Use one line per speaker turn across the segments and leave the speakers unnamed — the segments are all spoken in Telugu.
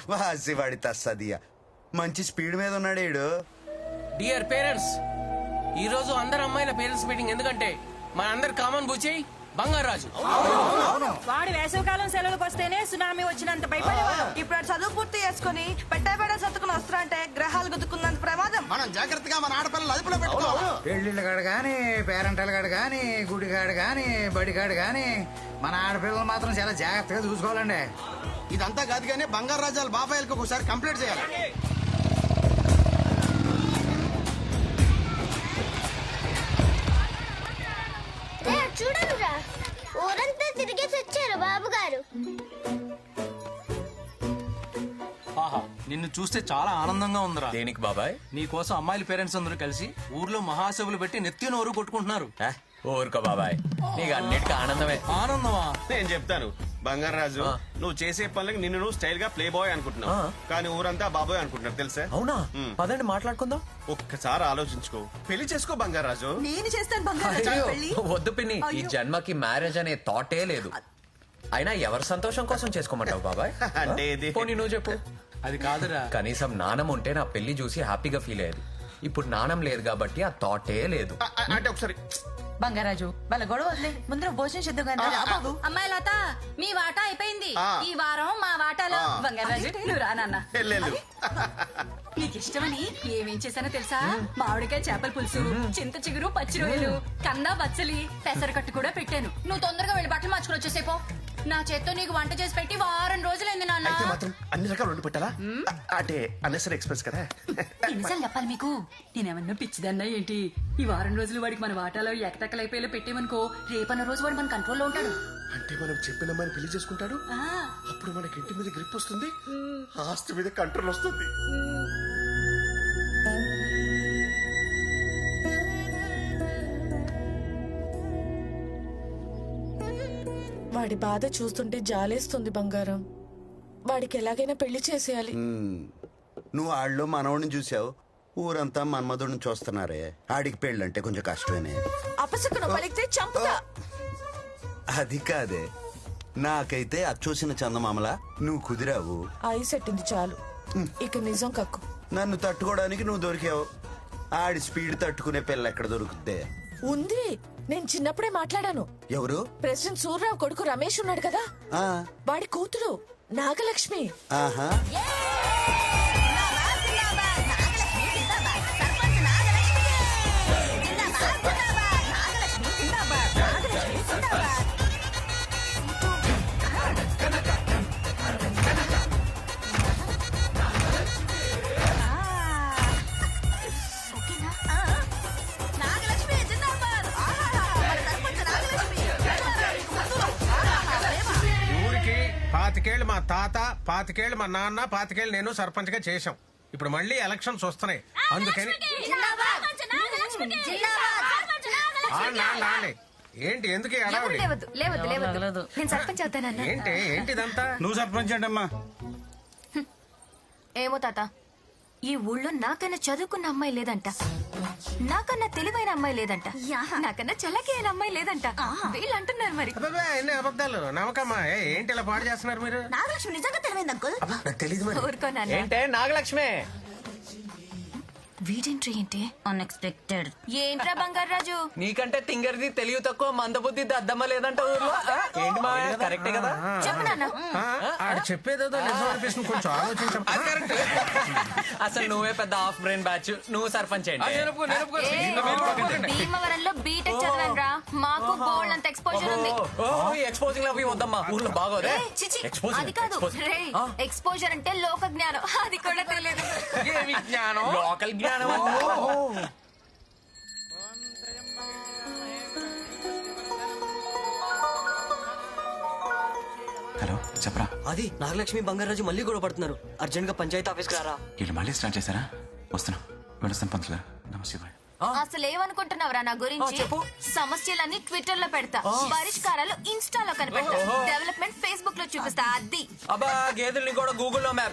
వాసివాడి తస్సదియా మంచి స్పీడ్ మీద ఉన్నాడు ఈడు.
డియర్ పేరెంట్స్, ఈ రోజు అందరు అమ్మాయిల పేరెంట్స్ మీటింగ్. ఎందుకంటే మన అందరు కామన్ బుచ్చి బంగారాజు.
వాడు వేసవికాలం సెలవులకు వస్తేనే సునామీ వచ్చినంత భయపడేవాడు.
ఇప్పుడు చదువు పూర్తి చేసుకుని పెట్టబెడ సత్తుకుని వస్తారంటే గ్రహాలు గుద్దుకున్నంత ప్రమాదం.
మనం జాగ్రత్తగా మన ఆడపిల్లలు అదుపులో పెట్టుకోవాలి.
పెళ్లిళ్ళ కాడు గాని, పేరెంటల్ కాడు గాని, గుడిగాడు గాని, బడిగాడు గాని మన ఆడపిల్లలు మాత్రం చాలా జాగ్రత్తగా చూసుకోవాలండి.
ఇదంతా కాదు కానీ బంగారు రాజాల బాబాయిలకు ఒకసారి కంప్లీట్ చేయాలి.
చూడరా, ఊరంతా తిరిగేసి వచ్చారు బాబు గారు.
ఆహా, నిన్ను చూస్తే చాలా ఆనందంగా ఉందిరా.
దేనికి బాబాయ్?
నీ కోసం అమ్మాయిల పేరెంట్స్ అందరూ కలిసి ఊర్లో మహాసభలు పెట్టి నెత్తి నోరు కొట్టుకుంటున్నారు.
ఊరుకో బాబాయ్, నీకు అన్నిటికీ ఆనందమే.
ఆనందమా?
నేను చెప్తాను బంగారాజు, నువ్వు చేసే పనులకి నిన్ను నువ్వు స్టైల్ గా ప్లే బాయ్ అనుకుంటున్నావు, కానీ ఊరంతా బాబాయ్ అనుకుంటున్నారు తెలుసా?
అవునా? పదండి మాట్లాడుకుందాం.
ఒక్కసారి ఆలోచించుకో, పెళ్లి చేసుకో బంగారాజు.
నేను చేస్తాను బంగారు పెళ్లి.
వద్దు పిన్ని, ఈ జన్మకి మ్యారేజ్ అనే థాటే లేదు. అయినా ఎవరి సంతోషం కోసం చేసుకోమంటావు బాబాయ్?
అంటే ఇది
పోనీ నువ్వు చెప్పు.
అది కాదురా.
కనీసం నాణం ఉంటే నా పెళ్లి చూసి హ్యాపీగా ఫీల్ అయ్యేది. ఇప్పుడు నాణం లేదు కాబట్టి ఆ థాటే లేదు.
అంటే ఒకసారి
బంగారాజు వాళ్ళ గొడవ వదిలే, ముందర భోజనం చేద్దాం కానీ.
అమ్మాయి లత, మీ వాటా అయిపోయింది.
ఆ.
ఈ వారం మా వాటాలో బంగారాజు నువ్వు రా నాన్న.
వెళ్ళు.
నీకు ఇష్టమని ఏమేం చేశానో తెలుసా? మామిడికాయ చేపల పులుసు, చింత చిగురు, పచ్చి రొయ్యలు, కందా బచ్చలి, పెసరకట్టు కూడా పెట్టాను. నువ్వు తొందరగా వెళ్ళి బట్టలు మార్చుకుని వచ్చేసేపో. నా చేత్తో నీకు వంట చేసి పెట్టి వారం రోజులైంది నాన్న.
అయితే మాత్రం అన్ని రకాలు వండి పెట్టాలా? అంటే అన్నెసరీ ఎక్స్ప్రెస్ కదా.
ఎన్నిసార్లు చెప్పాలి మీకు? నేనేమన్నా పిచ్చిదన్నా ఏంటి? ఈ వారం రోజులు వాడికి మన వాటాలో ఎకటెక్కలైపోయేలా పెట్టేమనుకో, రేపన్న రోజు వాడు మన కంట్రోల్లో ఉంటాడు.
అంటే మనం చెప్పిన అమ్మాయిని పెళ్లి చేసుకుంటాడు, అప్పుడు మనకి ఇంటి మీద గ్రిప్ వస్తుంది, ఆస్తి మీద కంట్రోల్ వస్తుంది.
వాడి బాధ చూస్తుంటే జాలేస్తుంది బంగారం. వాడికి ఎలాగైనా పెళ్లి చేసేయాలి.
నువ్వు ఆళ్ళు మనవడిని చూసావు, ఊరంతా మన్మధుడిని చూస్తున్నారే. ఆడికి పెళ్ళంటే కొంచెం కష్టమేనే.
అపసకును పలికితే చంపుతా.
అది కాదే, నాకైతే అచ్చూసిన చందమామలా నువ్వు కుదిరావు.
ఐస్ ఎట్టింది చాలు, ఇక నిజం కక్కు.
నన్ను తట్టుకోవడానికి నువ్వు దొరికావు. ఆడి స్పీడ్ తట్టుకునే పిల్ల ఎక్కడ దొరుకుద్దే?
ఉంది, నేను చిన్నప్పుడే మాట్లాడాను.
ఎవరు?
ప్రెసిడెంట్ సూర్యరావు కొడుకు రమేష్ ఉన్నాడు కదా, వాడి కూతురు నాగలక్ష్మి.
ఆహా,
ఊరికి 25 మా తాత, 25 మా నాన్న, 25 నేను సర్పంచ్ గా చేశాం. ఇప్పుడు మళ్ళీ ఎలక్షన్స్ వస్తున్నాయి, అందుకని ఏంటి ఎందుకు ఈ హడావుడి?
నేను సర్పంచ్ అవుతానన్నా.
ఏంటిదంతా?
నువ్వు సర్పంచ్ అంటమ్మా.
ఏమో తాత, ఈ ఊళ్ళో నాకన్నా చదువుకున్న అమ్మాయి లేదంట, నాకన్నా తెలివైన అమ్మాయి లేదంట, నాకన్నా చల్లకి అయిన అమ్మాయి లేదంట. వీళ్ళు అంటున్నారు మరి.
అబ్బబ్బే, ఎన్ని అబద్ధాలు నమ్మకమ్మా. ఏంటి ఇలా పాడు చేస్తున్నారు మీరు?
నాగలక్ష్మి నిజంగా తెలివైంది అంకుల్.
తెలీదు మరి.
ఊరుకోనాన్న.
ఏంటే నాగలక్ష్మి?
వీడెంట్రీ ఏంటి అన్ఎక్స్పెక్టెడ్. ఏంట్రా బంగారాజు?
నీకంటే తింగరిది తెలివి తక్కువ, మందబుద్ధి అద్దమ్మ లేదంట ఊర్లో. ఏంటి మా కరెక్టే కదా?
చెప్పు నాన్న.
ఆడు చెప్పేదేదో నిజం అనిపిస్తుంది, కొంచెం ఆలోచించం.
అసలు నువ్వే పెద్ద హాఫ్ బ్రెయిన్ బ్యాచ్. నువ్వు సర్పంచ్ ఏంటి?
భీమవరంలో బీటెక్ చదివాను రా, మాకు బోల్డ్ అంత ఎక్స్పోజర్ ఉంది.
ఎక్స్పోజింగ్ అవి వద్దమ్మా, ఊర్లో బాగోదే.
అది కాదు రే, ఎక్స్పోజర్ అంటే లోక జ్ఞానం, అది కూడా తెలియదు.
లోకల్ జ్ఞానం.
హలో చెప్పరా.
అది నాగలక్ష్మి బంగారాజు మళ్ళీ గొడవ పడుతున్నారు. అర్జెంట్ గా పంచాయతీ ఆఫీస్కి రారా.
వీళ్ళు మళ్ళీ స్టార్ట్ చేశారా? వస్తున్నా, వెళ్ళొస్తాను పంతులు గారు. నమస్తే.
అసలు ఏమనుకుంటున్నావురా నా గురించి? సమస్యలన్నీ ట్విట్టర్ లో పెడతా, పరిష్కారాలు ఇన్స్టాలో కనిపెడతా, డెవలప్మెంట్ ఫేస్బుక్ లో చూపిస్తా. అది
అబ్బా గేదెల్ని కూడా గూగుల్లో మ్యాప్.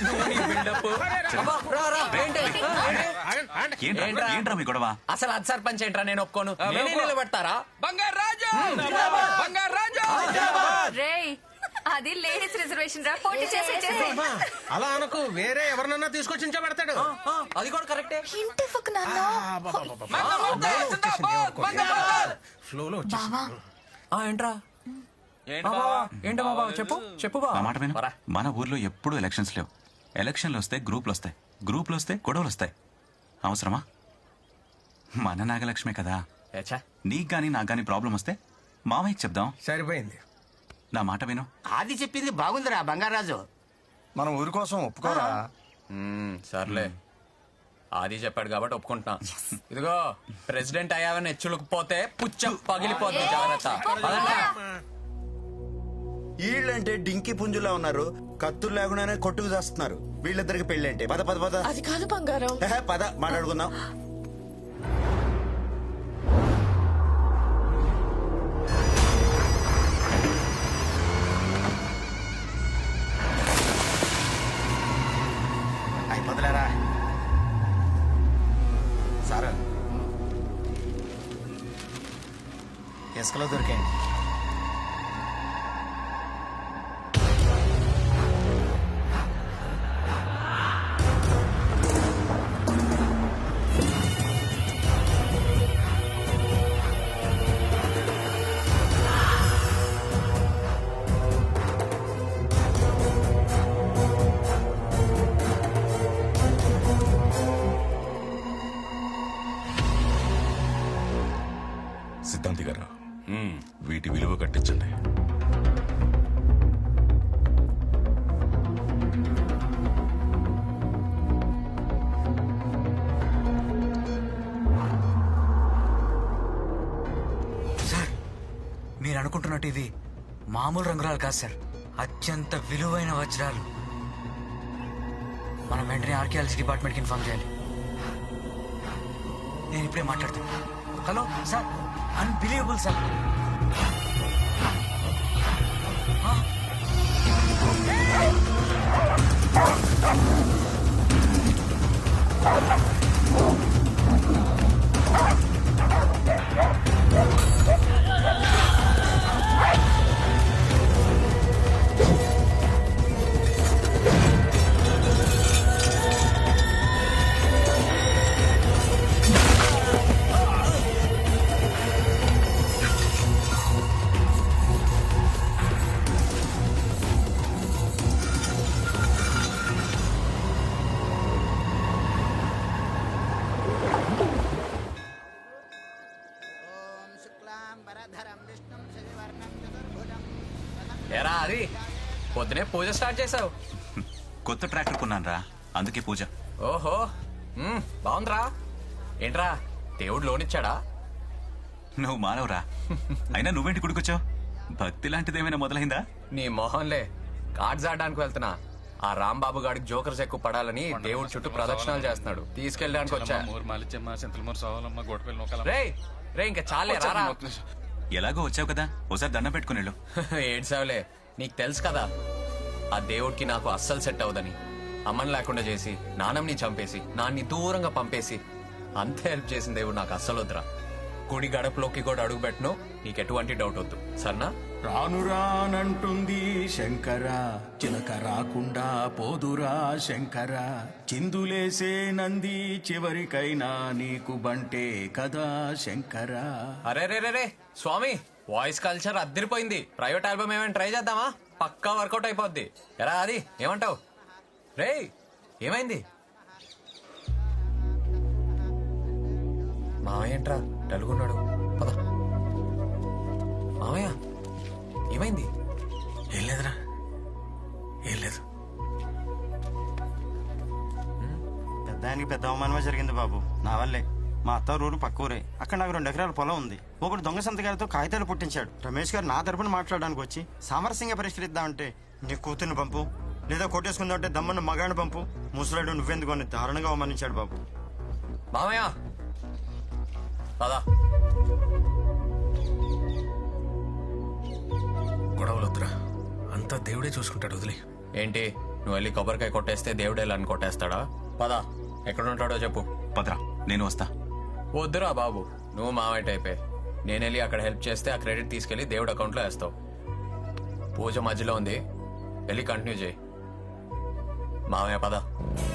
ఏంట్రా మీ గొడవ?
అసలు అది సర్పంచ్ ఏంట్రా? నేను ఒప్పుకోను. నేనే నిలబెడతారా?
బంగారాజు!
రేయ్
అది లేడీస్ రిజర్వేషన్ రా పోటీ చేసి
అమ్మా, అలా అనకు, వేరే ఎవరినన్నా తీసుకొచ్చి పెడతాడు.
అది కూడా కరెక్టే.
ఇంటి ఫక్ నాన్న.
ఫ్లోలో
బావా
ఏంట్రా ఏంటా బాబా చెప్పు చెప్పు
నా మాట విను. మన ఊర్లో ఎప్పుడూ ఎలక్షన్స్ లేవు. ఎలక్షన్లు వస్తే గ్రూపులు వస్తాయి, గ్రూపులు వస్తే గొడవలు వస్తాయి. అవసరమా? మన నాగలక్ష్మే కదా. నీకు గానీ నాకు గానీ ప్రాబ్లం వస్తే మామయ్యకి చెప్దాం.
సరిపోయింది.
నా మాట విను.
ఆది చెప్పింది బాగుందిరా బంగారాజు.
మనం ఊరి కోసం ఒప్పుకోరా?
సర్లే, ఆది చెప్పాడు కాబట్టి ఒప్పుకుంటున్నా. ఇదిగో ప్రెసిడెంట్ అయ్యావని హెచ్చులుకుపోతే పుచ్చ పగిలిపోద్ది, జాగ్రత్త. పదండి.
వీళ్ళంటే డింకి పుంజులా ఉన్నారు, కత్తులు లేకుండానే కొట్టుకు చేస్తున్నారు. వీళ్ళిద్దరికి పెళ్లి అంటే పద పద పద.
అది కాదు బంగారం.
పద మాట్లాడుకుందాం.
అయిపోతలేరా సార్? ఇసుకలో దొరికాయండి.
సిద్ధాంతి గారు, వీటి విలువ కట్టించండి.
సార్, మీరు అనుకుంటున్నట్టు ఇది మామూలు రంగురాలు కాదు సార్, అత్యంత విలువైన వజ్రాలు. మనం వెంటనే ఆర్కియాలజీ డిపార్ట్మెంట్కి ఇన్ఫార్మ్ చేయాలి. నేను ఇప్పుడే మాట్లాడుతాను. Hello sir, unbelievable sir.
ఎరా అది పొద్దునే పూజ స్టార్ట్ చేసావు?
కొత్త ట్రాక్టర్ కొన్నాను రా, అందుకే పూజ.
ఓహో, బాగుందిరా. ఏంట్రా దేవుడు లోనిచ్చాడా?
నువ్వు మానవరా. అయినా నువ్వేంటి గుడికొచ్చావు? భక్తి లాంటిదేమైనా మొదలైందా?
నీ మొహంలే, కార్డ్స్ ఆడడానికి వెళ్తున్నా. ఆ రాంబాబు గాడికి జోకర్స్ ఎక్కువ పడాలని దేవుడి చుట్టూ ప్రదక్షిణాలు చేస్తున్నాడు, తీసుకెళ్ళడానికి వచ్చా. రే ఇంకా చాలే రారా.
ఎలాగో వచ్చావు కదా, ఒకసారి దండం పెట్టుకుని వెళ్ళు.
ఏడ్సావులే, నీకు తెలుసు కదా ఆ దేవుడికి నాకు అస్సలు సెట్ అవదని. అమ్మని లేకుండా చేసి, నాన్నని చంపేసి, నాన్ని దూరంగా పంపేసి అంతే హెల్ప్ చేసిన దేవుడు నాకు అస్సలు వద్దురా. గుడి గడపలోకి కూడా అడుగు పెట్టను, నీకు ఎటువంటి డౌట్ వద్దు, సరేనా?
రాను రానంటుంది శంకర, చిలక రాకుండా పోదురా శంకర, చిందులేసే నంది చివరికైనా నీకు బంటే కదా శంకర.
అరే రే రే రే స్వామి, వాయిస్ కల్చర్ అద్దరిపోయింది. ప్రైవేట్ ఆల్బమ్ ఏమైనా ట్రై చేద్దామా? పక్కా వర్కౌట్ అయిపోద్ది. ఎరా అది ఏమంటావు? రే ఏమైంది? మామయ్య ఏంట్రా డలుగున్నాడు? పద. మామయ్య ఏమైంది?
ఏం లేదురా, ఏం లేదు.
పెద్దానికి పెద్ద అవమానమే జరిగింది బాబు, నా వల్లే. మా అత్త ఊరు పక్క ఊరే, అక్కడ నాకు 2 ఎకరాల పొలం ఉంది. ఒకటి దొంగ సంతకాలతో కాగితాలు పుట్టించాడు. రమేష్ గారు నా తరపున మాట్లాడడానికి వచ్చి సామరస్యంగా పరిష్కరిద్దామంటే నీ కూతుర్ని పంపు, లేదా కొట్టేసుకుందామంటే దమ్మన్న మగాడిని పంపు, ముసలాడు నువ్వెందుకు అని దారుణంగా అవమానించాడు బాబు.
మామయ్య పదా.
గొడవలొద్దురా, అంతా దేవుడే చూసుకుంటాడు, వదిలే.
ఏంటి నువ్వు వెళ్ళి కొబ్బరికాయ కొట్టేస్తే దేవుడే అని కొట్టేస్తాడా? పదా, ఎక్కడుంటాడో చెప్పు.
పదరా, నేను వస్తా.
వద్దురా బాబు, నువ్వు మావైట్ అయిపోయి నేను వెళ్ళి అక్కడ హెల్ప్ చేస్తే ఆ క్రెడిట్ తీసుకెళ్లి దేవుడు అకౌంట్లో వేస్తావు. పూజ మధ్యలో ఉంది వెళ్ళి కంటిన్యూ చేయి మామయ్య పద